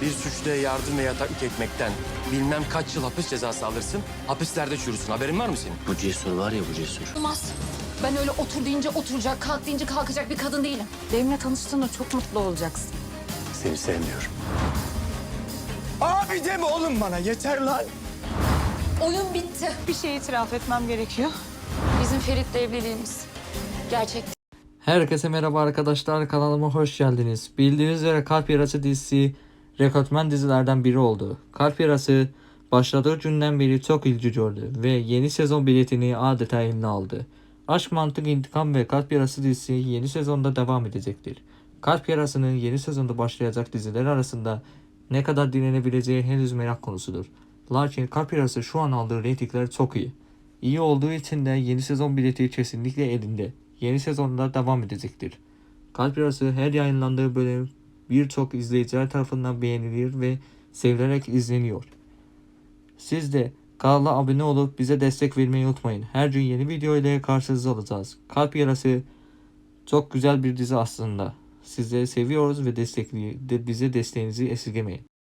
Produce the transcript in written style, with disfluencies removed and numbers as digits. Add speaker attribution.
Speaker 1: Bir suçluya yardım ve yataklık etmekten bilmem kaç yıl hapis cezası alırsın. Hapislerde çürüsün. Haberin var mı senin?
Speaker 2: Bu Cesur var ya, bu Cesur.
Speaker 3: Olmaz. Ben öyle otur deyince oturacak, kalk deyince kalkacak bir kadın değilim. Benimle tanıştığında çok mutlu olacaksın.
Speaker 1: Seni sevmiyorum.
Speaker 4: Abi deme oğlum bana, yeter lan.
Speaker 3: Oyun bitti.
Speaker 5: Bir şey itiraf etmem gerekiyor.
Speaker 3: Bizim Ferit'le evliliğimiz. Gerçek.
Speaker 6: Herkese merhaba arkadaşlar, kanalıma hoş geldiniz. Bildiğiniz üzere Kalp Yarası dizisi rekortmen dizilerden biri oldu. Kalp Yarası başladığı günden beri çok ilgi gördü ve yeni sezon biletini adeta eline aldı. Aşk, Mantık, İntikam ve Kalp Yarası dizisi yeni sezonda devam edecektir. Kalp Yarası'nın yeni sezonda başlayacak diziler arasında ne kadar dinlenebileceği henüz merak konusudur. Lakin Kalp Yarası şu an aldığı reytingler çok iyi. İyi olduğu için de yeni sezon bileti kesinlikle elinde. Yeni sezonda devam edecektir. Kalp Yarası her yayınlandığı bölüm birçok izleyiciler tarafından beğenilir ve sevilerek izleniyor. Siz de kanala abone olup bize destek vermeyi unutmayın. Her gün yeni video ile karşınızda olacağız. Kalp Yarası çok güzel bir dizi aslında. Sizleri seviyoruz ve bize desteğinizi esirgemeyin.